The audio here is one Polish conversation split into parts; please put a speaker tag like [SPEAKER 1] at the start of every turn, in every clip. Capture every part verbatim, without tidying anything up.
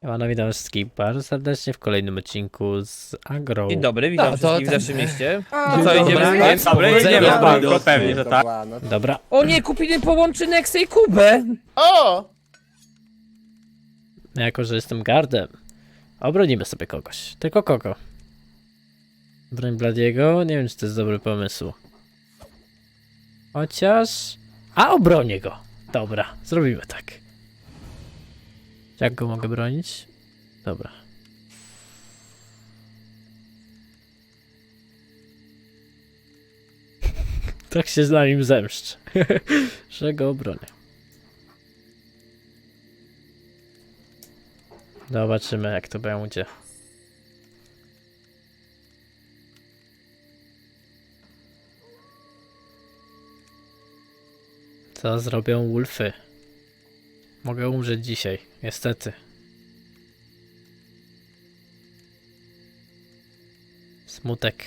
[SPEAKER 1] Siemano, witam wszystkich bardzo serdecznie w kolejnym odcinku z Agro.
[SPEAKER 2] Dzień dobry, witam
[SPEAKER 3] No, to
[SPEAKER 2] wszystkich w
[SPEAKER 3] ten-
[SPEAKER 2] naszym mieście.
[SPEAKER 4] A,
[SPEAKER 2] No co, idziemy
[SPEAKER 3] dobra.
[SPEAKER 2] spać?
[SPEAKER 3] Dobry,
[SPEAKER 2] Idziemy
[SPEAKER 3] idziemy
[SPEAKER 2] spać.
[SPEAKER 3] spać.
[SPEAKER 4] Banko
[SPEAKER 3] pewnie, że tak.
[SPEAKER 1] Dobra,
[SPEAKER 2] O nie, kupili połączy Nexę i Kubę!
[SPEAKER 4] O!
[SPEAKER 1] jako że jestem gardem, obronimy sobie kogoś. Tylko kogo? Broń Bladiego? Nie wiem, czy to jest dobry pomysł. Chociaż... A, obronię go! Dobra, zrobimy tak. Jak go mogę bronić? Dobra. Tak się na nim zemszczę, że go obronię. Zobaczymy, jak to będzie. Co zrobią Wolfy? Mogę umrzeć dzisiaj, niestety. Smutek.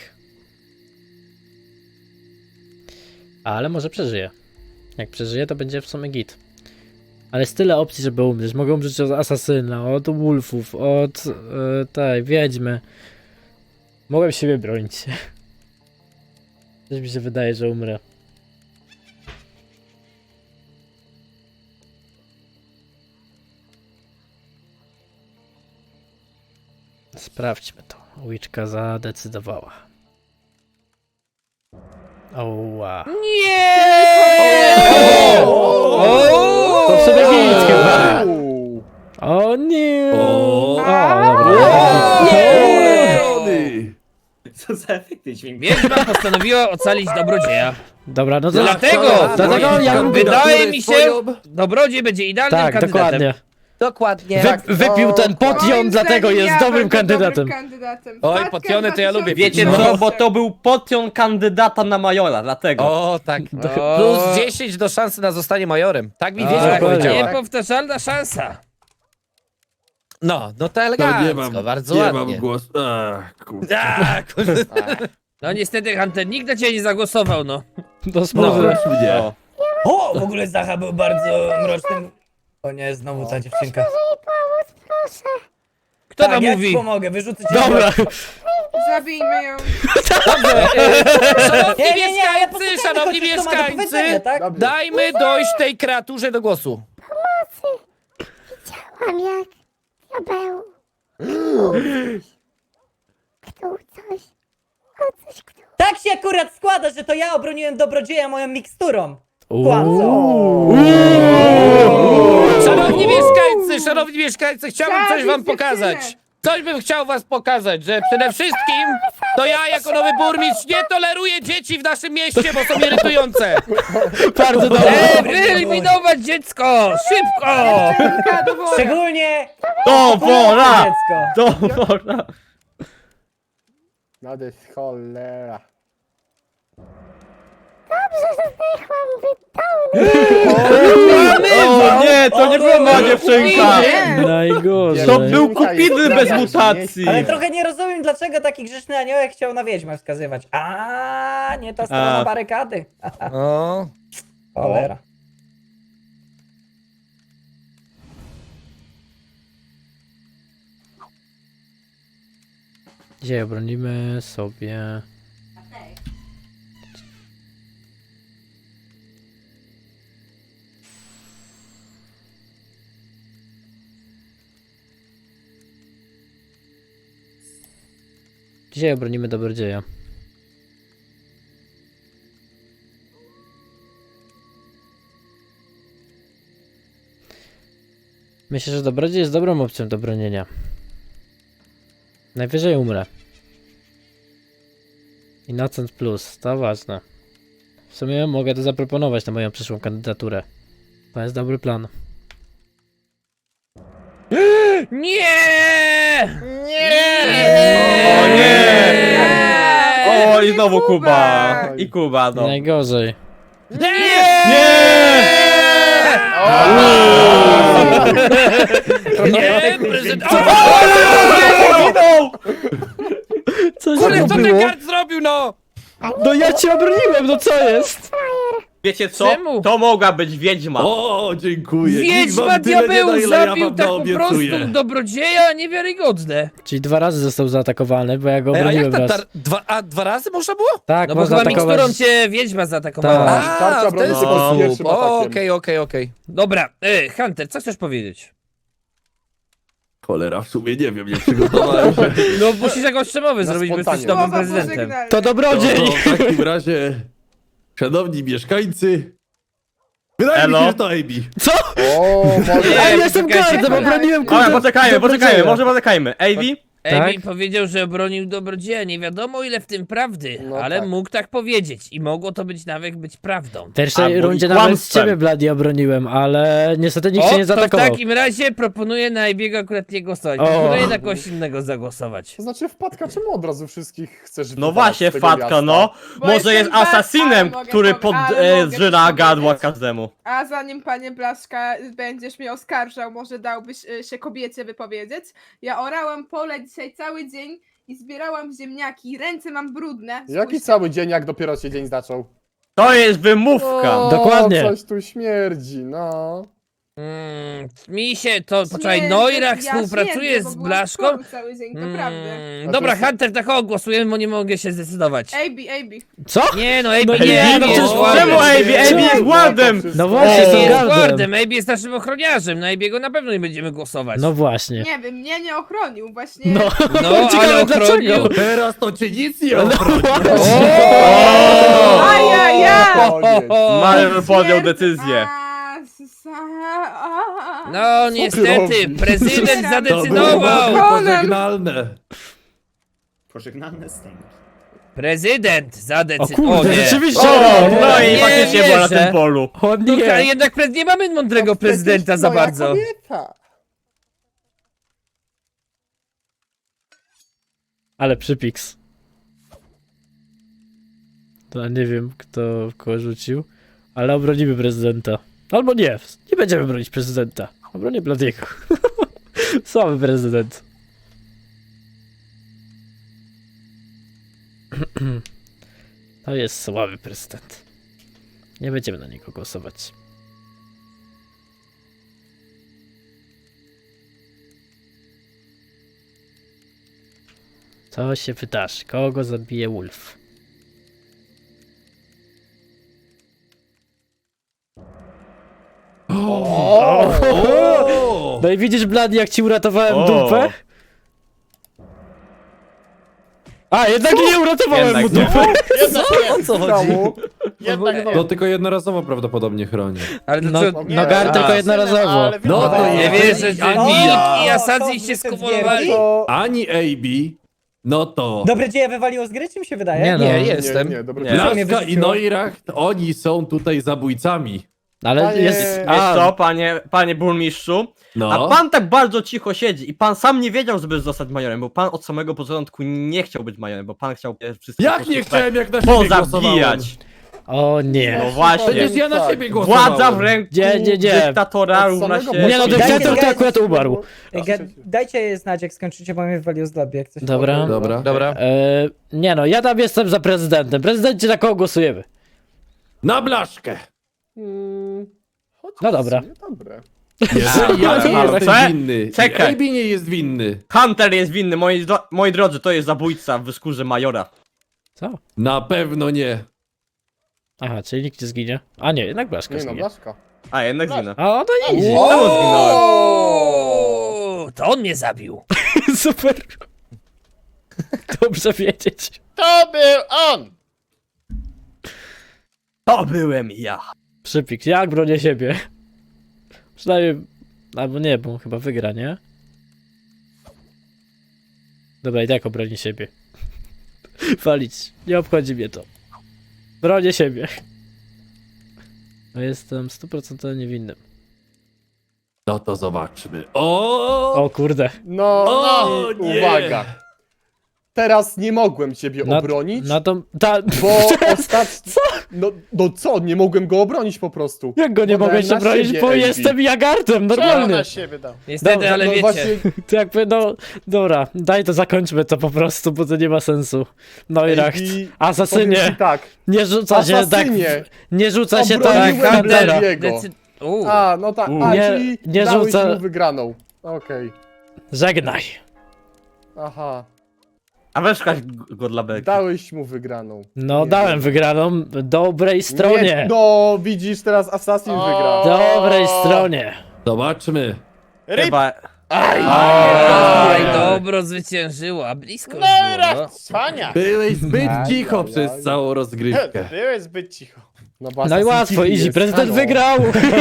[SPEAKER 1] Ale może przeżyję. Jak przeżyję, to będzie w sumie git. Ale jest tyle opcji, żeby umrzeć. Mogę umrzeć od asasyna, od wolfów, od yy, tej wiedźmy. Mogłem siebie bronić. Coś mi się wydaje, że umrę. Sprawdźmy to. Witchka zadecydowała. Oła.
[SPEAKER 2] Nie!
[SPEAKER 1] To w sobie git chyba. O nie! O, dobra.
[SPEAKER 3] Co za efekty dźwięku?
[SPEAKER 2] Wiedźma postanowiła ocalić dobrodzieja.
[SPEAKER 1] Dobra, no to...
[SPEAKER 2] Dlatego,
[SPEAKER 1] Dlatego ja lubię...
[SPEAKER 2] wydaje mi się, dobrodziej będzie idealnym
[SPEAKER 1] Tak,
[SPEAKER 2] kandydatem.
[SPEAKER 1] dokładnie.
[SPEAKER 3] Dokładnie.
[SPEAKER 1] Wy, wypił ten potion,
[SPEAKER 4] Moim
[SPEAKER 1] dlatego
[SPEAKER 4] zdaniem
[SPEAKER 1] jest
[SPEAKER 4] ja
[SPEAKER 1] dobrym
[SPEAKER 4] będę
[SPEAKER 1] kandydatem.
[SPEAKER 4] dobrym kandydatem.
[SPEAKER 2] Oj,
[SPEAKER 4] Wpadka
[SPEAKER 2] potiony to ja lubię.
[SPEAKER 3] Wiecie
[SPEAKER 1] No.
[SPEAKER 3] co, bo to był potion kandydata na majora, dlatego.
[SPEAKER 5] O, tak.
[SPEAKER 2] O.
[SPEAKER 5] Plus dziesięć do szansy na zostanie majorem. Tak mi
[SPEAKER 1] A,
[SPEAKER 5] wiedział
[SPEAKER 1] dokładnie.
[SPEAKER 5] powiedziała.
[SPEAKER 2] Niepowtarzalna szansa.
[SPEAKER 5] No, no to
[SPEAKER 6] No,
[SPEAKER 5] elegancko,
[SPEAKER 6] nie mam,
[SPEAKER 5] bardzo
[SPEAKER 6] nie
[SPEAKER 5] ładnie.
[SPEAKER 6] mam głosu. Ach, kurde.
[SPEAKER 5] A, kurde.
[SPEAKER 2] No niestety, Hunter, nikt na ciebie nie zagłosował, no.
[SPEAKER 1] To
[SPEAKER 6] No,
[SPEAKER 1] smutne.
[SPEAKER 6] proszę mnie.
[SPEAKER 3] O.
[SPEAKER 5] O, w ogóle Zacha był bardzo mrocznym. O nie, znowu ta dziewczynka.
[SPEAKER 2] Kto
[SPEAKER 5] Tak,
[SPEAKER 2] tam
[SPEAKER 5] ja
[SPEAKER 2] mówi?
[SPEAKER 5] ci pomogę, wyrzucę cię.
[SPEAKER 1] Dobra.
[SPEAKER 4] Zabijmy ją.
[SPEAKER 2] Szanowni
[SPEAKER 5] Nie, nie, nie, ale
[SPEAKER 2] mieszkańcy,
[SPEAKER 5] posłuchajmy
[SPEAKER 2] szanowni
[SPEAKER 5] chociaż, co ma do powiedzenia,
[SPEAKER 2] mieszkańcy,
[SPEAKER 5] tak?
[SPEAKER 2] dajmy dojść tej kreaturze do głosu.
[SPEAKER 7] Widziałam jak diabeł kto coś, o coś kto.
[SPEAKER 3] Tak się akurat składa, że to ja obroniłem dobrodzieja moją miksturą.
[SPEAKER 1] Uuu.
[SPEAKER 2] Szanowni mieszkańcy, szanowni mieszkańcy, chciałbym coś wam
[SPEAKER 4] Zabić
[SPEAKER 2] pokazać.
[SPEAKER 4] dziewczynę.
[SPEAKER 2] Coś bym chciał was pokazać, że przede wszystkim to ja jako nowy burmistrz nie toleruję dzieci w naszym mieście, bo są irytujące.
[SPEAKER 1] Bardzo dobrze.
[SPEAKER 2] E, wyeliminować dziecko! Szybko!
[SPEAKER 4] Dziewczynka do wora.
[SPEAKER 3] Szczególnie
[SPEAKER 1] To wola!
[SPEAKER 3] dziecko.
[SPEAKER 1] To wola!
[SPEAKER 8] No to jest cholera.
[SPEAKER 3] O nie, to nie była moja
[SPEAKER 2] dziewczynka.
[SPEAKER 1] Najgorzej.
[SPEAKER 3] To był Kupidny bez
[SPEAKER 8] Jezu,
[SPEAKER 3] mutacji.
[SPEAKER 8] nie-
[SPEAKER 3] Ale trochę nie rozumiem, dlaczego taki grzeczny aniołek chciał na wiedźmę wskazywać. A, nie ta strona
[SPEAKER 1] A.
[SPEAKER 3] barykady.
[SPEAKER 5] O,
[SPEAKER 3] Cholera.
[SPEAKER 1] Dzisiaj obronimy sobie... Dzisiaj obronimy dobrodzieja. Myślę, że dobrodziej jest dobrą opcją do bronienia. Najwyżej umrę. Innocent Plus, to ważne. W sumie mogę to zaproponować na moją przyszłą kandydaturę. To jest dobry plan.
[SPEAKER 2] Nie!
[SPEAKER 4] Nie!
[SPEAKER 3] O nie! O, i
[SPEAKER 4] Nie
[SPEAKER 3] znowu Kuba.
[SPEAKER 4] Kuba.
[SPEAKER 3] I Kuba, no.
[SPEAKER 1] Najgorzej.
[SPEAKER 2] Nie! Nie! Prezydent...
[SPEAKER 1] Co
[SPEAKER 2] Kurde,
[SPEAKER 1] się
[SPEAKER 2] co ten
[SPEAKER 1] było?
[SPEAKER 2] kart zrobił, no?
[SPEAKER 1] No ja cię obroniłem, no co jest?
[SPEAKER 8] Wiecie co?
[SPEAKER 2] Czemu?
[SPEAKER 8] To mogła być wiedźma.
[SPEAKER 6] O, dziękuję. Nikt
[SPEAKER 2] Wiedźma
[SPEAKER 6] wam tyle nie da,
[SPEAKER 2] diabeł
[SPEAKER 6] ile ja
[SPEAKER 2] zabił
[SPEAKER 6] wam
[SPEAKER 2] tak po
[SPEAKER 6] naobiecuję.
[SPEAKER 2] prostu dobrodzieja, niewiarygodne.
[SPEAKER 1] Czyli dwa razy został zaatakowany, bo ja go
[SPEAKER 2] Ej, a jak
[SPEAKER 1] obroniłem
[SPEAKER 2] ta,
[SPEAKER 1] raz.
[SPEAKER 2] tar- dwa, a dwa razy można było?
[SPEAKER 1] Tak,
[SPEAKER 2] No bo
[SPEAKER 1] można
[SPEAKER 2] chyba
[SPEAKER 1] atakować.
[SPEAKER 2] miksturą cię wiedźma zaatakowała.
[SPEAKER 1] Tak.
[SPEAKER 2] A,
[SPEAKER 9] Tarcza
[SPEAKER 2] w
[SPEAKER 9] broni
[SPEAKER 2] ten
[SPEAKER 9] tylko z
[SPEAKER 2] sposób.
[SPEAKER 9] pierwszym atakiem.
[SPEAKER 2] Okej, okej, okej. Dobra, e, Hunter, co chcesz powiedzieć?
[SPEAKER 6] Cholera, w sumie nie wiem, nie przygotowałem się.
[SPEAKER 2] No musisz jakąś przemowę
[SPEAKER 9] Na
[SPEAKER 2] zrobić, bo jesteś
[SPEAKER 9] spontanie.
[SPEAKER 2] nowym
[SPEAKER 4] Słowa
[SPEAKER 2] prezydentem.
[SPEAKER 4] pożegnalne.
[SPEAKER 1] To
[SPEAKER 6] No,
[SPEAKER 1] dobrodziej!
[SPEAKER 6] w takim razie, szanowni mieszkańcy, wydaje mi
[SPEAKER 8] Elo?
[SPEAKER 6] się, że to A B.
[SPEAKER 1] Co?
[SPEAKER 9] O, może...
[SPEAKER 2] Nie,
[SPEAKER 1] A ja jestem
[SPEAKER 2] poczekajcie,
[SPEAKER 1] gardem,
[SPEAKER 2] chwilę.
[SPEAKER 1] obroniłem
[SPEAKER 8] Dobra,
[SPEAKER 1] kurde
[SPEAKER 8] poczekajmy, poczekajmy,
[SPEAKER 1] dobrodzieja.
[SPEAKER 8] może poczekajmy. Ejbi?
[SPEAKER 2] Amy
[SPEAKER 1] Tak?
[SPEAKER 2] powiedział, że obronił dobrodzieja. Nie wiadomo ile w tym prawdy,
[SPEAKER 9] No
[SPEAKER 2] ale
[SPEAKER 9] tak.
[SPEAKER 2] mógł tak powiedzieć i mogło to być nawet być prawdą.
[SPEAKER 1] W pierwszej
[SPEAKER 8] Albo i
[SPEAKER 1] rundzie nawet z
[SPEAKER 8] kłamstwem.
[SPEAKER 1] ciebie, Bloody, obroniłem, ale niestety nikt
[SPEAKER 2] O,
[SPEAKER 1] się nie
[SPEAKER 2] to w
[SPEAKER 1] zaatakował.
[SPEAKER 2] takim razie proponuję na Ebiego akurat nie głosować.
[SPEAKER 1] O.
[SPEAKER 2] Proponuję na kogoś innego zagłosować.
[SPEAKER 9] To znaczy wpadka, czemu od razu wszystkich chcesz
[SPEAKER 8] No
[SPEAKER 9] wypalać
[SPEAKER 8] właśnie,
[SPEAKER 9] z tego
[SPEAKER 8] Fatka,
[SPEAKER 9] miasta?
[SPEAKER 8] no.
[SPEAKER 4] Bo
[SPEAKER 8] Może
[SPEAKER 4] jestem
[SPEAKER 8] jest
[SPEAKER 4] Fatka,
[SPEAKER 8] asasinem,
[SPEAKER 4] ale mogę
[SPEAKER 8] który
[SPEAKER 4] powie- ale mogę
[SPEAKER 8] podżyna
[SPEAKER 4] coś
[SPEAKER 8] gadła
[SPEAKER 4] powiedzieć.
[SPEAKER 8] każdemu.
[SPEAKER 4] A zanim panie Blaszka będziesz mnie oskarżał, może dałbyś y, się kobiecie wypowiedzieć? Ja orałam pole dzisiaj cały dzień i zbierałam ziemniaki. Ręce mam brudne.
[SPEAKER 9] Jaki
[SPEAKER 4] Spójrzcie.
[SPEAKER 9] cały dzień, jak dopiero się dzień zaczął?
[SPEAKER 8] To jest wymówka.
[SPEAKER 9] O,
[SPEAKER 1] Dokładnie.
[SPEAKER 9] Coś tu śmierdzi, no.
[SPEAKER 2] Mm, mi się to, poczekaj,
[SPEAKER 4] Śmierdzę,
[SPEAKER 2] Neurach
[SPEAKER 4] ja
[SPEAKER 2] współpracuje
[SPEAKER 4] śmierdzę, bo
[SPEAKER 2] z
[SPEAKER 4] byłam w
[SPEAKER 2] Blaszką?
[SPEAKER 4] szkole cały dzień, to prawda.
[SPEAKER 2] Mm, dobra, Hunter, tak o, głosujemy, bo nie mogę się zdecydować.
[SPEAKER 4] Ejbi, Ejbi.
[SPEAKER 1] Co?
[SPEAKER 2] Nie no, Ejbi
[SPEAKER 1] No
[SPEAKER 2] nie,
[SPEAKER 1] nie,
[SPEAKER 2] Ejbi
[SPEAKER 1] no
[SPEAKER 2] jest
[SPEAKER 1] przecież-
[SPEAKER 2] wardem.
[SPEAKER 8] Czemu Ejbi? Ejbi jest wardem!
[SPEAKER 1] No
[SPEAKER 2] Ejbi
[SPEAKER 1] właśnie,
[SPEAKER 2] jest
[SPEAKER 1] są gardem.
[SPEAKER 2] wardem, Ejbi jest naszym ochroniarzem, na Ejbiego na pewno nie będziemy głosować.
[SPEAKER 1] No właśnie.
[SPEAKER 4] Nie wiem, mnie nie ochronił, właśnie.
[SPEAKER 1] No,
[SPEAKER 2] No,
[SPEAKER 1] ciekawe
[SPEAKER 2] ale
[SPEAKER 1] dlaczego.
[SPEAKER 2] ochronił.
[SPEAKER 6] Teraz to cię nic nie obchodzi.
[SPEAKER 2] O!
[SPEAKER 4] Ajajaj!
[SPEAKER 9] Koniec.
[SPEAKER 8] Major podjął decyzję.
[SPEAKER 4] A, s- a-
[SPEAKER 2] No niestety,
[SPEAKER 9] robi?
[SPEAKER 2] prezydent
[SPEAKER 4] To było
[SPEAKER 6] To było
[SPEAKER 2] zadecydował.
[SPEAKER 6] bardzo pożegnalne.
[SPEAKER 5] Pożegnalne stęgi.
[SPEAKER 2] Prezydent
[SPEAKER 1] O
[SPEAKER 2] zadecydował.
[SPEAKER 1] kurde, rzeczywiście.
[SPEAKER 8] O, no
[SPEAKER 2] Nie
[SPEAKER 8] i faktycznie była na
[SPEAKER 2] wierzę.
[SPEAKER 8] tym polu.
[SPEAKER 1] O
[SPEAKER 2] No,
[SPEAKER 1] nie.
[SPEAKER 2] ale jednak pre- nie mamy mądrego
[SPEAKER 9] No przecież
[SPEAKER 2] prezydenta za
[SPEAKER 9] moja
[SPEAKER 2] bardzo.
[SPEAKER 9] kobieta.
[SPEAKER 1] Ale przypiks. To nie wiem, kto kogo rzucił, ale obronimy prezydenta. Albo nie, nie będziemy bronić prezydenta. Obronię Bladiego. Słaby prezydent. To jest słaby prezydent. Nie będziemy na niego głosować. Co się wydarzy? Kogo zabije Wolf?
[SPEAKER 6] O!
[SPEAKER 1] No i widzisz, Blady, jak ci uratowałem
[SPEAKER 8] O.
[SPEAKER 1] dupę? A, jednak nie uratowałem
[SPEAKER 8] Jednak
[SPEAKER 1] mu
[SPEAKER 8] nie.
[SPEAKER 1] dupę.
[SPEAKER 5] O co
[SPEAKER 9] Czemu?
[SPEAKER 6] To tylko jednorazowo prawdopodobnie chroni.
[SPEAKER 2] Ale
[SPEAKER 1] No,
[SPEAKER 2] dlaczego?
[SPEAKER 1] no gar
[SPEAKER 2] A.
[SPEAKER 1] tylko jednorazowo.
[SPEAKER 6] No to
[SPEAKER 2] Nie
[SPEAKER 6] jest.
[SPEAKER 2] wierzę, że
[SPEAKER 3] O,
[SPEAKER 2] Wilk i
[SPEAKER 3] to
[SPEAKER 2] Asadzi się
[SPEAKER 3] wyszedł
[SPEAKER 2] skumulowali.
[SPEAKER 3] wielki.
[SPEAKER 9] To...
[SPEAKER 6] Ani A B, no to
[SPEAKER 3] Dobre dzieje wywaliło z gry, czy mi się wydaje?
[SPEAKER 1] Nie no.
[SPEAKER 2] Nie,
[SPEAKER 9] Nie,
[SPEAKER 2] jestem.
[SPEAKER 9] nie, dobra.
[SPEAKER 8] Nie.
[SPEAKER 3] Co mnie
[SPEAKER 6] Blaszka i
[SPEAKER 3] wyrzuciło?
[SPEAKER 6] Neuracht, oni są tutaj zabójcami.
[SPEAKER 1] Ale
[SPEAKER 9] Panie-
[SPEAKER 1] jest...
[SPEAKER 8] Wiesz
[SPEAKER 1] A,
[SPEAKER 8] co, panie, panie burmistrzu?
[SPEAKER 6] No.
[SPEAKER 8] A pan tak bardzo cicho siedzi i pan sam nie wiedział, żeby zostać majorem, bo pan od samego początku nie chciał być majorem, bo pan chciał e, wszystkich po
[SPEAKER 6] Jak
[SPEAKER 8] prostu
[SPEAKER 6] nie
[SPEAKER 8] tak
[SPEAKER 6] chciałem, jak na siebie głosowałem.
[SPEAKER 8] pozabijać.
[SPEAKER 1] o nie.
[SPEAKER 8] No właśnie.
[SPEAKER 6] Przecież ja na siebie głosowałem.
[SPEAKER 8] Władza w ręku
[SPEAKER 1] Nie, nie, nie.
[SPEAKER 8] dyktatora
[SPEAKER 9] Od
[SPEAKER 8] równa
[SPEAKER 9] samego
[SPEAKER 8] się...
[SPEAKER 1] Nie no,
[SPEAKER 9] Dajcie
[SPEAKER 1] dyktator to
[SPEAKER 3] zgadać.
[SPEAKER 1] akurat umarł.
[SPEAKER 3] Ej, ga- Dajcie znać, jak skończycie, bo mnie wywaliło z lobby, jak coś.
[SPEAKER 1] Dobra.
[SPEAKER 6] Dobra.
[SPEAKER 2] Dobra.
[SPEAKER 1] E, nie no, ja tam jestem za prezydentem. Prezydencie, na kogo głosujemy?
[SPEAKER 6] Na Blaszkę.
[SPEAKER 9] Hmm, chociaż
[SPEAKER 1] No dobra.
[SPEAKER 9] w sumie Dobre.
[SPEAKER 6] Jeżeli ja nie
[SPEAKER 8] ale
[SPEAKER 6] jestem
[SPEAKER 8] co?
[SPEAKER 6] winny,
[SPEAKER 8] Czekaj.
[SPEAKER 6] A B nie jest winny.
[SPEAKER 8] Hunter jest winny, moi, dro- moi drodzy, to jest zabójca w skórze majora.
[SPEAKER 1] Co?
[SPEAKER 6] Na pewno nie.
[SPEAKER 1] Aha, czyli nikt nie zginie. A nie, jednak Blaszka
[SPEAKER 9] Nie no,
[SPEAKER 1] zginie.
[SPEAKER 9] Blaszka.
[SPEAKER 8] A, jednak zginę.
[SPEAKER 1] A, no to easy.
[SPEAKER 8] Znowu zginąłem.
[SPEAKER 2] O, to on mnie zabił.
[SPEAKER 1] Super. Dobrze wiedzieć.
[SPEAKER 9] To był on!
[SPEAKER 8] To byłem ja.
[SPEAKER 1] Przypik, jak bronię siebie? Przynajmniej... Albo nie, bo on chyba wygra, nie? Dobra, i tak obroni siebie. Walić. Nie obchodzi mnie to. Bronię siebie. No jestem stu procentów niewinnym.
[SPEAKER 6] No to zobaczmy. O!
[SPEAKER 1] O kurde.
[SPEAKER 9] No,
[SPEAKER 6] O, nie.
[SPEAKER 9] uwaga. teraz nie mogłem ciebie
[SPEAKER 1] No-
[SPEAKER 9] obronić,
[SPEAKER 1] No to... Ta...
[SPEAKER 9] bo ostatnio... No, no co, nie mogłem go obronić po prostu.
[SPEAKER 1] Jak go nie
[SPEAKER 9] Podałem
[SPEAKER 1] mogę się
[SPEAKER 9] na
[SPEAKER 1] bronić,
[SPEAKER 9] siebie,
[SPEAKER 1] bo
[SPEAKER 9] Ej Bi.
[SPEAKER 1] jestem jagartem,
[SPEAKER 9] Czemu
[SPEAKER 1] normalnie.
[SPEAKER 9] na siebie dał?
[SPEAKER 2] Niestety,
[SPEAKER 1] Dobrze,
[SPEAKER 2] ale
[SPEAKER 9] no
[SPEAKER 2] wiecie.
[SPEAKER 9] właśnie,
[SPEAKER 1] To jakby, no... Dobra, daj to zakończmy to po prostu, bo to nie ma sensu. No i racht.
[SPEAKER 9] Ej Bi, powiem ci
[SPEAKER 1] Asasynie,
[SPEAKER 9] tak,
[SPEAKER 1] nie rzuca się tak...
[SPEAKER 9] Asasynie,
[SPEAKER 1] Nie rzuca się tak jak
[SPEAKER 9] obroniłem
[SPEAKER 1] Huntera.
[SPEAKER 9] Bladiego.
[SPEAKER 2] Decy... Uuu.
[SPEAKER 9] A, no tak, a,
[SPEAKER 1] Nie-
[SPEAKER 9] czyli
[SPEAKER 1] nie
[SPEAKER 9] dałeś
[SPEAKER 1] rzuca-
[SPEAKER 9] mu wygraną. Okej,
[SPEAKER 1] Żegnaj.
[SPEAKER 9] aha,
[SPEAKER 8] A weź kaś go dla beki.
[SPEAKER 9] dałeś mu wygraną.
[SPEAKER 1] No,
[SPEAKER 9] Nie
[SPEAKER 1] dałem
[SPEAKER 9] wiem.
[SPEAKER 1] wygraną dobrej stronie.
[SPEAKER 9] Nie, no, widzisz, teraz Assassin wygrał.
[SPEAKER 1] Dobrej stronie.
[SPEAKER 6] Zobaczmy.
[SPEAKER 8] Chyba...
[SPEAKER 2] Aj, dobro zwyciężyło, a blisko już
[SPEAKER 5] No i
[SPEAKER 2] było, no.
[SPEAKER 5] raz, cwania.
[SPEAKER 6] Byłeś zbyt
[SPEAKER 9] Aj,
[SPEAKER 6] cicho
[SPEAKER 9] aj,
[SPEAKER 6] przez
[SPEAKER 9] aj.
[SPEAKER 6] całą rozgrywkę.
[SPEAKER 5] Byłeś zbyt cicho.
[SPEAKER 9] No, bo
[SPEAKER 1] No i
[SPEAKER 9] Assassin
[SPEAKER 1] łatwo,
[SPEAKER 9] cichy
[SPEAKER 1] easy,
[SPEAKER 9] jest,
[SPEAKER 1] prezydent
[SPEAKER 9] halo.
[SPEAKER 1] wygrał.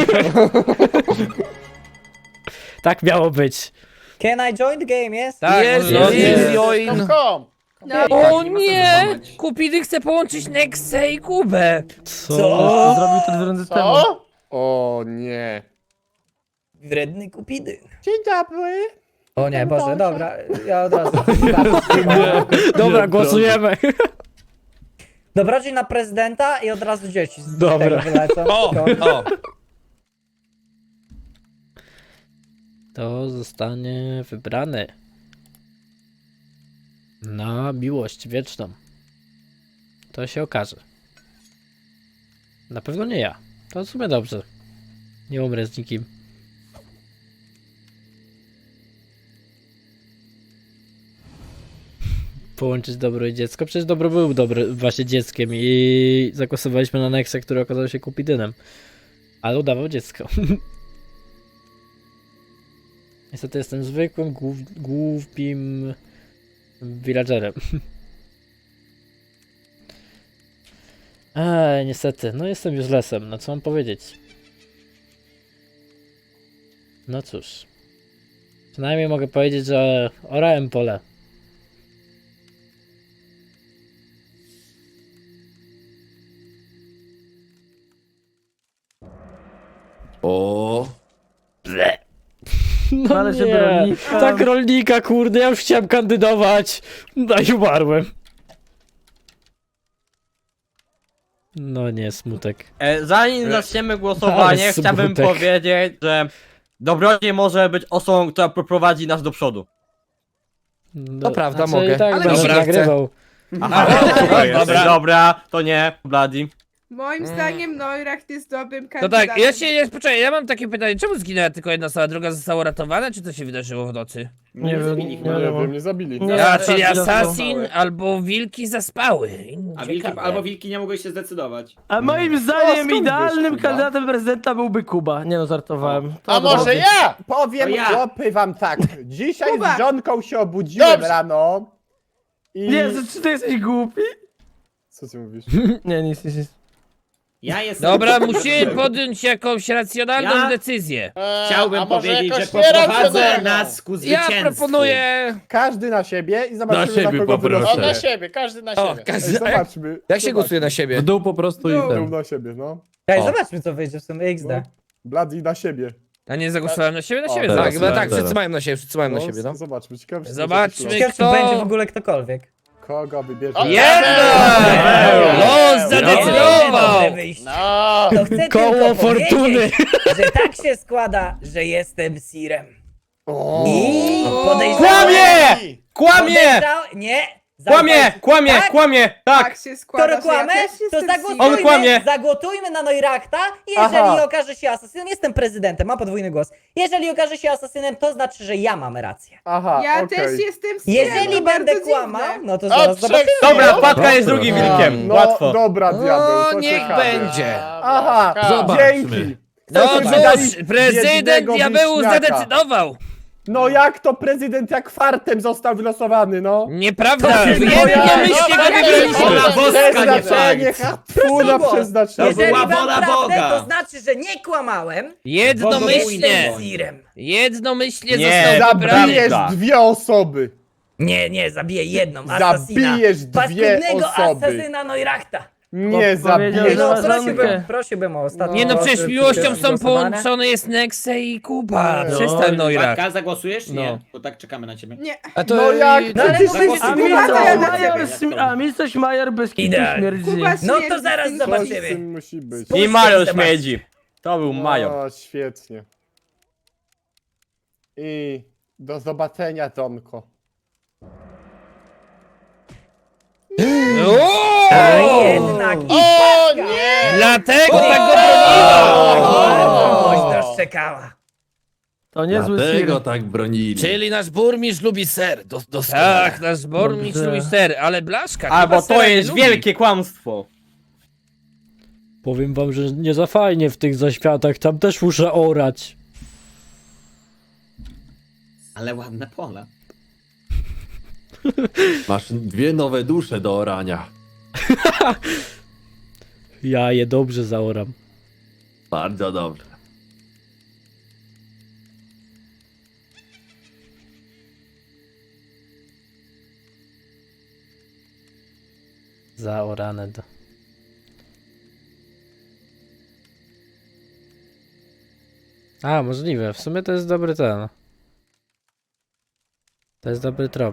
[SPEAKER 1] Tak miało być.
[SPEAKER 3] Can I join the game, yes?
[SPEAKER 2] Tak,
[SPEAKER 1] Jest,
[SPEAKER 2] no,
[SPEAKER 1] jest,
[SPEAKER 2] jest,
[SPEAKER 1] jest.
[SPEAKER 2] join.
[SPEAKER 5] Kom, kom.
[SPEAKER 4] No,
[SPEAKER 2] O nie! Kupidy chce połączyć Nexę i Kubę.
[SPEAKER 1] Co?
[SPEAKER 3] Co?
[SPEAKER 5] Co?
[SPEAKER 9] O nie.
[SPEAKER 3] Wredny Kupidy.
[SPEAKER 9] Dzień dobry.
[SPEAKER 3] O nie, Boże, dobra, ja od razu.
[SPEAKER 1] Dobra,
[SPEAKER 6] Nie,
[SPEAKER 1] głosujemy.
[SPEAKER 3] Dobrodziej na prezydenta i od razu dzieci z
[SPEAKER 1] Dobra.
[SPEAKER 3] tego wylecą.
[SPEAKER 2] O, o.
[SPEAKER 1] To zostanie wybrany na miłość wieczną. To się okaże. Na pewno nie ja. To w sumie dobrze. Nie umrę z nikim. Połączyć dobro i dziecko. Przecież dobro był dobry, właśnie dzieckiem i zagłosowaliśmy na Nexę, który okazał się Kupidynem. Ale udawał dziecko. Niestety jestem zwykłym, głów, głupim villagerem. Eee, niestety, no jestem już lesem, no co mam powiedzieć? No cóż. Przynajmniej mogę powiedzieć, że orałem pole.
[SPEAKER 6] O,
[SPEAKER 1] No
[SPEAKER 8] Ale
[SPEAKER 1] nie,
[SPEAKER 8] żeby rolnika-
[SPEAKER 1] tak rolnika, kurde, ja już chciałem kandydować. No i umarłem. No nie, smutek.
[SPEAKER 8] E, zanim zaczniemy głosowanie,
[SPEAKER 1] Ale
[SPEAKER 8] chciałbym
[SPEAKER 1] smutek.
[SPEAKER 8] powiedzieć, że Dobrodziej może być osobą, która poprowadzi nas do przodu.
[SPEAKER 1] No,
[SPEAKER 5] To prawda,
[SPEAKER 1] znaczy,
[SPEAKER 5] mogę.
[SPEAKER 1] I tak
[SPEAKER 5] Ale
[SPEAKER 1] będę
[SPEAKER 5] dobra, chcę.
[SPEAKER 1] nagrywał.
[SPEAKER 8] Aha,
[SPEAKER 2] dobra.
[SPEAKER 8] dobra. dobra, to nie, Bloody.
[SPEAKER 4] Moim zdaniem Neuracht jest dobrym
[SPEAKER 2] To
[SPEAKER 4] kandydatem.
[SPEAKER 2] tak, ja się, ja, poczekaj, ja mam takie pytanie, czemu zginęła tylko jedna osoba, druga została uratowana, czy to się wydarzyło w nocy?
[SPEAKER 8] Nie wiem, nie
[SPEAKER 9] Nie wiem, nie zabili.
[SPEAKER 8] Nie.
[SPEAKER 2] Ja,
[SPEAKER 8] tak,
[SPEAKER 2] czyli
[SPEAKER 8] tak,
[SPEAKER 2] assassin
[SPEAKER 8] tak.
[SPEAKER 2] albo wilki zaspały.
[SPEAKER 10] A wilki,
[SPEAKER 2] Ciekawe.
[SPEAKER 10] albo wilki nie mogły się zdecydować.
[SPEAKER 11] A moim
[SPEAKER 9] O,
[SPEAKER 11] zdaniem
[SPEAKER 9] skąd
[SPEAKER 11] idealnym
[SPEAKER 9] wiesz, Kuba?
[SPEAKER 11] kandydatem prezydenta byłby Kuba. Nie no, żartowałem. To
[SPEAKER 5] A może
[SPEAKER 11] dobrze.
[SPEAKER 5] ja?
[SPEAKER 9] Powiem
[SPEAKER 10] To ja.
[SPEAKER 9] chłopy wam tak. Dzisiaj
[SPEAKER 4] Kuba.
[SPEAKER 9] z żonką się obudziłem
[SPEAKER 5] Dobrze.
[SPEAKER 9] rano. I...
[SPEAKER 11] Nie, czy ty jesteś głupi?
[SPEAKER 9] Co ty mówisz?
[SPEAKER 11] Nie, nic, nic, nic.
[SPEAKER 10] Ja jestem...
[SPEAKER 2] Dobra, musimy podjąć jakąś racjonalną
[SPEAKER 10] Ja?
[SPEAKER 2] decyzję.
[SPEAKER 5] E,
[SPEAKER 10] Chciałbym
[SPEAKER 5] a może
[SPEAKER 10] powiedzieć, że
[SPEAKER 5] jakoś
[SPEAKER 10] poprowadzę
[SPEAKER 5] nieracjonalną?
[SPEAKER 10] nas ku
[SPEAKER 2] Ja
[SPEAKER 10] zwycięstwu.
[SPEAKER 2] proponuję...
[SPEAKER 9] Każdy na siebie i zobaczymy
[SPEAKER 6] Na
[SPEAKER 9] na,
[SPEAKER 6] siebie
[SPEAKER 9] kogo
[SPEAKER 6] poproszę.
[SPEAKER 5] No
[SPEAKER 9] wylosuje.
[SPEAKER 5] na siebie, każdy na
[SPEAKER 2] O,
[SPEAKER 5] siebie.
[SPEAKER 9] Ej,
[SPEAKER 2] każdy...
[SPEAKER 9] zobaczmy.
[SPEAKER 2] Jak się
[SPEAKER 9] zobaczmy.
[SPEAKER 2] głosuje na siebie?
[SPEAKER 6] w dół po prostu i
[SPEAKER 4] No.
[SPEAKER 6] ten.
[SPEAKER 9] Był na siebie, no.
[SPEAKER 3] Ej,
[SPEAKER 6] O.
[SPEAKER 3] zobaczmy co wyjdzie w sumie X D.
[SPEAKER 9] no. Bloody na siebie.
[SPEAKER 2] A nie zagłosowałem na siebie? Na
[SPEAKER 9] O,
[SPEAKER 2] siebie
[SPEAKER 6] teraz,
[SPEAKER 2] tak, no tak,
[SPEAKER 6] teraz.
[SPEAKER 2] wszyscy mają na siebie, wszyscy mają na siebie, no.
[SPEAKER 9] Zobaczmy, ciekawe. czy
[SPEAKER 2] Zobaczmy.
[SPEAKER 9] to
[SPEAKER 3] Ciekawe, czy
[SPEAKER 2] Kto?
[SPEAKER 3] będzie w ogóle ktokolwiek.
[SPEAKER 9] Kogo wybierze?
[SPEAKER 5] O,
[SPEAKER 2] Jednak! Los
[SPEAKER 3] Dobre
[SPEAKER 2] zadecydował!
[SPEAKER 3] wyjście.
[SPEAKER 5] No.
[SPEAKER 3] To chcę
[SPEAKER 1] Koło
[SPEAKER 3] tylko
[SPEAKER 1] fortuny.
[SPEAKER 3] powiedzieć, że tak się składa, że jestem Sirem.
[SPEAKER 9] O!
[SPEAKER 3] I podejrzewam...
[SPEAKER 8] Kłamie! Kłamie!
[SPEAKER 3] Podejrzał- Nie!
[SPEAKER 8] Kłamie!
[SPEAKER 3] Zauważ-
[SPEAKER 8] Kłamie!
[SPEAKER 3] Tak?
[SPEAKER 8] Kłamie! Tak!
[SPEAKER 4] Tak się składa,
[SPEAKER 3] Skoro kłamę,
[SPEAKER 4] że ja też
[SPEAKER 3] to
[SPEAKER 4] jestem
[SPEAKER 3] zagłosujmy,
[SPEAKER 8] On kłamie.
[SPEAKER 3] zagłosujmy na Neurachta i jeżeli
[SPEAKER 9] Aha.
[SPEAKER 3] okaże się asasynem, jestem prezydentem, mam podwójny głos. Jeżeli okaże się asasynem, to znaczy, że ja mam rację.
[SPEAKER 9] Aha,
[SPEAKER 4] Ja
[SPEAKER 9] okej.
[SPEAKER 4] też jestem Sirem,
[SPEAKER 3] Jeżeli
[SPEAKER 4] to
[SPEAKER 3] będę
[SPEAKER 4] bardzo
[SPEAKER 3] kłamał,
[SPEAKER 4] dziwne.
[SPEAKER 3] no to
[SPEAKER 5] O,
[SPEAKER 3] zaraz
[SPEAKER 5] trzech
[SPEAKER 3] zobaczymy.
[SPEAKER 8] Dobra,
[SPEAKER 5] No.
[SPEAKER 8] Patka jest drugim wilkiem.
[SPEAKER 9] No,
[SPEAKER 8] Łatwo.
[SPEAKER 9] dobra, diabeł, to
[SPEAKER 2] O, niech
[SPEAKER 9] ciekawe.
[SPEAKER 2] będzie.
[SPEAKER 9] Aha,
[SPEAKER 6] Zobaczmy.
[SPEAKER 9] dzięki.
[SPEAKER 2] No
[SPEAKER 9] Chcecie
[SPEAKER 2] cóż,
[SPEAKER 9] dać
[SPEAKER 2] prezydent
[SPEAKER 9] biednego
[SPEAKER 2] diabeł
[SPEAKER 9] wieśniaka.
[SPEAKER 2] zadecydował!
[SPEAKER 9] No jak to prezydent jak fartem został wylosowany, no?
[SPEAKER 2] Nieprawda,
[SPEAKER 9] To się
[SPEAKER 2] jednomyślnie
[SPEAKER 5] boja.
[SPEAKER 2] go wybieraliśmy!
[SPEAKER 10] Wola boska, nie
[SPEAKER 9] Przeznaczenie,
[SPEAKER 10] fakt.
[SPEAKER 9] hatfuna
[SPEAKER 3] Proszę
[SPEAKER 9] przeznaczenie.
[SPEAKER 3] Jeżeli
[SPEAKER 10] była
[SPEAKER 3] mam
[SPEAKER 10] wola
[SPEAKER 3] prawdę,
[SPEAKER 10] Boga.
[SPEAKER 3] to znaczy, że nie kłamałem.
[SPEAKER 2] Jednomyślnie!
[SPEAKER 3] Jestem Sirem.
[SPEAKER 2] Jednomyślnie
[SPEAKER 8] Nie,
[SPEAKER 2] został wybrany!
[SPEAKER 9] Zabijesz
[SPEAKER 8] Prawda.
[SPEAKER 9] dwie osoby.
[SPEAKER 3] Nie, nie, zabiję jedną, asasina.
[SPEAKER 9] Zabijesz dwie
[SPEAKER 3] Paskudnego
[SPEAKER 9] osoby.
[SPEAKER 3] asasyna Neurachta.
[SPEAKER 9] Nie
[SPEAKER 11] powiedział,
[SPEAKER 9] zabiję.
[SPEAKER 11] że
[SPEAKER 3] No,
[SPEAKER 11] ma
[SPEAKER 3] prosiłbym,
[SPEAKER 11] żonkę.
[SPEAKER 3] prosiłbym o ostatni
[SPEAKER 2] Nie no,
[SPEAKER 3] głos,
[SPEAKER 2] przecież
[SPEAKER 3] y,
[SPEAKER 2] miłością
[SPEAKER 3] przed
[SPEAKER 2] są
[SPEAKER 3] głosowania.
[SPEAKER 2] połączone jest Nexe i Kuba.
[SPEAKER 9] No.
[SPEAKER 2] Przestań, Noirak.
[SPEAKER 10] Matka, zagłosujesz?
[SPEAKER 2] No.
[SPEAKER 10] Nie, bo tak czekamy na ciebie.
[SPEAKER 4] Nie.
[SPEAKER 2] A to
[SPEAKER 9] No jak?
[SPEAKER 3] No ale
[SPEAKER 9] Przecież-
[SPEAKER 3] mówię, że
[SPEAKER 11] A mi
[SPEAKER 4] Kuba,
[SPEAKER 11] coś
[SPEAKER 4] to ja na
[SPEAKER 11] major,
[SPEAKER 10] ciebie.
[SPEAKER 11] sm- a mi coś major bez kitu
[SPEAKER 3] Idealnie.
[SPEAKER 11] śmierdzi.
[SPEAKER 4] Kuba
[SPEAKER 3] No to
[SPEAKER 4] śmierdzi
[SPEAKER 3] zaraz
[SPEAKER 4] z tym
[SPEAKER 9] Coś z
[SPEAKER 3] zobaczymy.
[SPEAKER 9] tym musi być.
[SPEAKER 3] Spójrzcie,
[SPEAKER 8] I Mario
[SPEAKER 3] zobaczcie.
[SPEAKER 8] śmiedzi. To był major.
[SPEAKER 9] O, świetnie. I do zobaczenia, Tomko.
[SPEAKER 3] A
[SPEAKER 2] O!
[SPEAKER 3] jednak i
[SPEAKER 5] O nie!
[SPEAKER 2] Dlatego tak go broniła!
[SPEAKER 3] Oś doszczekała.
[SPEAKER 11] To niezły
[SPEAKER 6] Dlatego
[SPEAKER 11] sir.
[SPEAKER 6] tak bronili.
[SPEAKER 2] Czyli nasz burmistrz lubi ser. Do, tak, nasz burmistrz
[SPEAKER 11] Dobrze.
[SPEAKER 2] lubi ser, ale Blaszka
[SPEAKER 8] Albo
[SPEAKER 2] chyba
[SPEAKER 8] to
[SPEAKER 2] sera nie
[SPEAKER 8] jest
[SPEAKER 2] lubi.
[SPEAKER 8] wielkie kłamstwo.
[SPEAKER 1] Powiem wam, że nie za fajnie w tych zaświatach, tam też muszę orać.
[SPEAKER 10] Ale ładne pola.
[SPEAKER 6] Masz dwie nowe dusze do orania.
[SPEAKER 1] Ja je dobrze zaoram.
[SPEAKER 6] Bardzo dobrze.
[SPEAKER 1] Zaorane do... A, możliwe. W sumie to jest dobry ten. To jest dobry trop.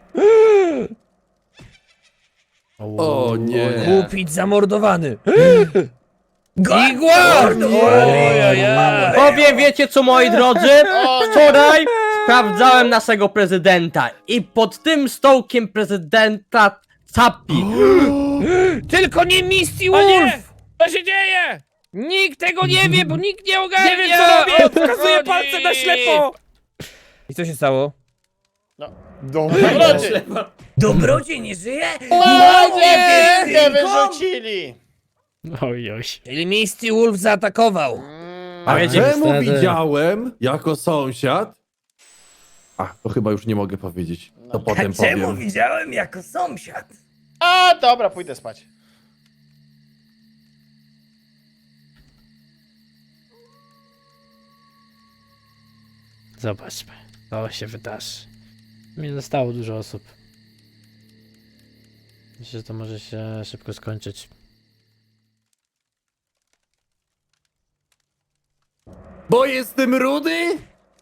[SPEAKER 6] O nie.
[SPEAKER 2] Kupić zamordowany.
[SPEAKER 3] Igor!
[SPEAKER 2] Igor! Ojojej.
[SPEAKER 8] Powiem, wiecie co, moi drodzy? Wczoraj sprawdzałem naszego prezydenta i pod tym stołkiem prezydenta Capi.
[SPEAKER 2] Tylko nie Misty Wolf! Co się dzieje? Nikt tego nie wie, bo nikt nie ogarnia! Nie wiem co robię! Wskazuję palcem na ślepo! I co się stało?
[SPEAKER 9] Dobra.
[SPEAKER 3] Dobrodziej nie żyje?
[SPEAKER 5] O nie! Nie
[SPEAKER 3] Wilkom?
[SPEAKER 5] wyrzucili!
[SPEAKER 1] Oj, oj.
[SPEAKER 2] Czyli Misty Wolf zaatakował.
[SPEAKER 8] A wiecie,
[SPEAKER 6] Czemu
[SPEAKER 1] niestety.
[SPEAKER 6] widziałem jako sąsiad? A, to chyba już nie mogę powiedzieć. To potem
[SPEAKER 3] A czemu
[SPEAKER 6] powiem.
[SPEAKER 3] widziałem jako sąsiad?
[SPEAKER 5] A, dobra, pójdę spać.
[SPEAKER 1] Zobaczmy, co się wydarzy. Nie zostało dużo osób. Myślę, że to może się szybko skończyć.
[SPEAKER 6] Bo jestem rudy?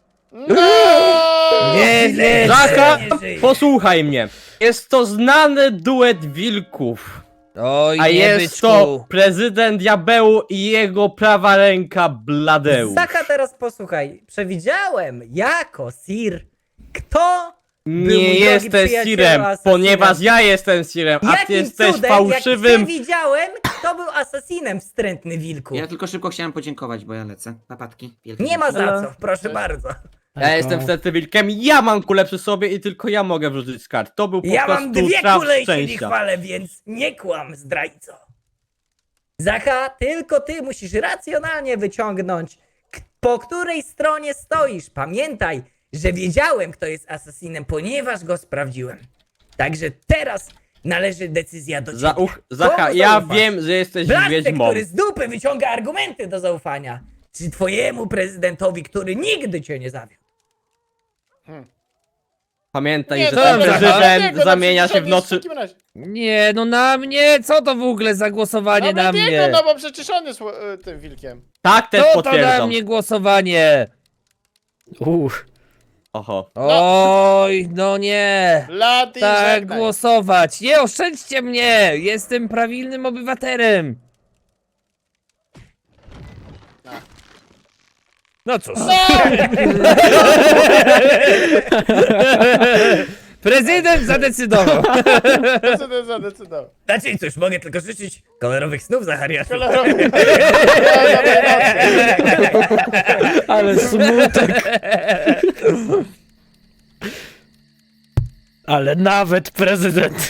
[SPEAKER 2] Nie, nie,
[SPEAKER 8] Zacha,
[SPEAKER 3] nie żyje.
[SPEAKER 8] posłuchaj mnie. Jest to znany duet wilków.
[SPEAKER 2] Oj,
[SPEAKER 8] A
[SPEAKER 2] nie
[SPEAKER 8] jest
[SPEAKER 2] byczku.
[SPEAKER 8] to prezydent Diabeł i jego prawa ręka Bladeusz.
[SPEAKER 3] Zacha, teraz posłuchaj. Przewidziałem jako Sir, kto był mój
[SPEAKER 8] Nie
[SPEAKER 3] drogi
[SPEAKER 8] jesteś
[SPEAKER 3] przyjacielu
[SPEAKER 8] Sirem,
[SPEAKER 3] asasinem.
[SPEAKER 8] ponieważ ja jestem Sirem, a ty
[SPEAKER 3] Jakim
[SPEAKER 8] jesteś
[SPEAKER 3] cudem,
[SPEAKER 8] fałszywym.
[SPEAKER 3] jak przewidziałem, kto był asasinem, wstrętny wilku.
[SPEAKER 10] Ja tylko szybko chciałem podziękować, bo ja lecę. Papatki. Wielkie
[SPEAKER 3] Nie ma za
[SPEAKER 11] Elo.
[SPEAKER 3] co, proszę bardzo.
[SPEAKER 8] Ja jestem wtedy wilkiem, ja mam kulę przy sobie i tylko ja mogę wrzucić z kart. To był po
[SPEAKER 3] Ja
[SPEAKER 8] prostu
[SPEAKER 3] mam dwie
[SPEAKER 8] traf
[SPEAKER 3] kule i się nie
[SPEAKER 8] szczęścia.
[SPEAKER 3] chwalę, więc nie kłam, zdrajco. Zacha, tylko ty musisz racjonalnie wyciągnąć, k- po której stronie stoisz. Pamiętaj, że wiedziałem, kto jest asasinem, ponieważ go sprawdziłem. Także teraz należy decyzja do ciebie.
[SPEAKER 8] Za uch, Zacha,
[SPEAKER 3] Komu
[SPEAKER 8] ja
[SPEAKER 3] zaufasz?
[SPEAKER 8] wiem, że jesteś
[SPEAKER 3] Blaszce,
[SPEAKER 8] wiedźmą.
[SPEAKER 3] który z dupy wyciąga argumenty do zaufania. Czy twojemu prezydentowi, który nigdy cię nie zawiódł?
[SPEAKER 8] Pamiętaj,
[SPEAKER 5] Nie,
[SPEAKER 8] że
[SPEAKER 5] to
[SPEAKER 8] ten
[SPEAKER 2] dobrze,
[SPEAKER 8] prezydent
[SPEAKER 5] Diego,
[SPEAKER 8] zamienia
[SPEAKER 5] przecież
[SPEAKER 8] się w
[SPEAKER 5] on jest
[SPEAKER 8] nocy.
[SPEAKER 5] takim razie.
[SPEAKER 2] Nie, no na mnie? Co to w ogóle za głosowanie
[SPEAKER 5] No
[SPEAKER 2] na
[SPEAKER 5] Diego,
[SPEAKER 2] mnie?
[SPEAKER 5] no bo przecież on jest e, tym wilkiem.
[SPEAKER 8] Tak, też
[SPEAKER 2] Co to na
[SPEAKER 8] potwierdzam.
[SPEAKER 2] mnie głosowanie?
[SPEAKER 1] Uch,
[SPEAKER 8] Oho.
[SPEAKER 2] Oj, no nie.
[SPEAKER 5] Lady,
[SPEAKER 2] Tak
[SPEAKER 5] żegnaj.
[SPEAKER 2] głosować. Nie oszczędźcie mnie. Jestem prawilnym obywatelem. No cóż. Prezydent zadecydował.
[SPEAKER 5] Prezydent zadecydował.
[SPEAKER 3] Znaczy cóż, mogę tylko życzyć kolorowych snów, Zachariaszu.
[SPEAKER 5] Kolorowy.
[SPEAKER 1] ale smutek. Ale nawet prezydent.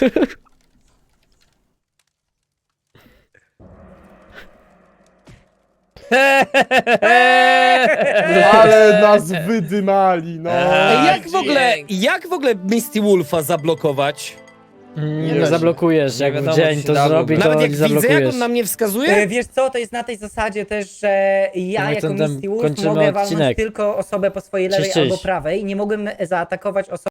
[SPEAKER 9] Ale nas wydymali, no.
[SPEAKER 2] Ej,
[SPEAKER 5] jak w ogóle-
[SPEAKER 2] jak w ogóle Misty Wolfa zablokować?
[SPEAKER 1] Nie,
[SPEAKER 5] da się.
[SPEAKER 1] zablokujesz, jak w dzień to zrobi, to nie zablokujesz.
[SPEAKER 2] mnie wskazuje?
[SPEAKER 3] E, Wiesz co, to jest na tej zasadzie też, że ja
[SPEAKER 1] my
[SPEAKER 3] jako
[SPEAKER 1] ten- ten
[SPEAKER 3] Misty Wolf
[SPEAKER 1] kończymy
[SPEAKER 3] mogę walnąć
[SPEAKER 1] odcinek.
[SPEAKER 3] tylko osobę po swojej lewej
[SPEAKER 1] Cześć, cześć.
[SPEAKER 3] albo prawej. Nie mogłem zaatakować osoby